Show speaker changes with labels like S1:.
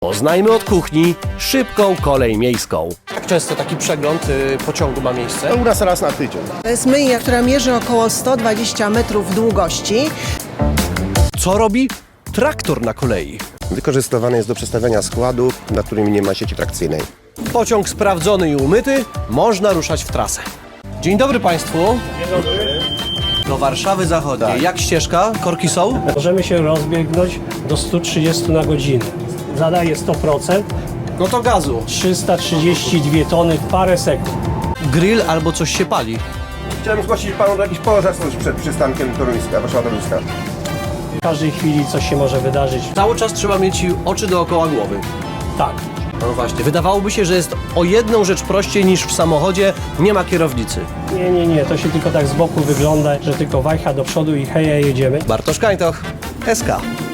S1: Poznajmy od kuchni szybką kolej miejską. Jak często taki przegląd pociągu ma miejsce?
S2: To u nas raz na tydzień.
S3: To jest myjnia, która mierzy około 120 metrów długości.
S1: Co robi traktor na kolei?
S2: Wykorzystywany jest do przestawiania składów, na którymi nie ma sieci trakcyjnej.
S1: Pociąg sprawdzony i umyty, można ruszać w trasę. Dzień dobry Państwu.
S4: Dzień dobry.
S1: Do Warszawy Zachodniej.
S2: Tak.
S1: Jak ścieżka? Korki są?
S4: Możemy się rozbiegnąć do 130 na godzinę. Zadaje 100%,
S1: No to gazu.
S4: 332 tony w parę sekund.
S1: Grill albo coś się pali.
S2: Chciałem zgłosić panu jakiś pożar przed przystankiem Toruńska, Warszawa-Toruńska.
S4: W każdej chwili coś się może wydarzyć.
S1: Cały czas trzeba mieć oczy dookoła głowy.
S4: Tak.
S1: No właśnie, wydawałoby się, że jest o jedną rzecz prościej niż w samochodzie, nie ma kierownicy.
S4: Nie, to się tylko tak z boku wygląda, że tylko wajcha do przodu i heja, jedziemy.
S1: Bartosz Kańtoch, SK.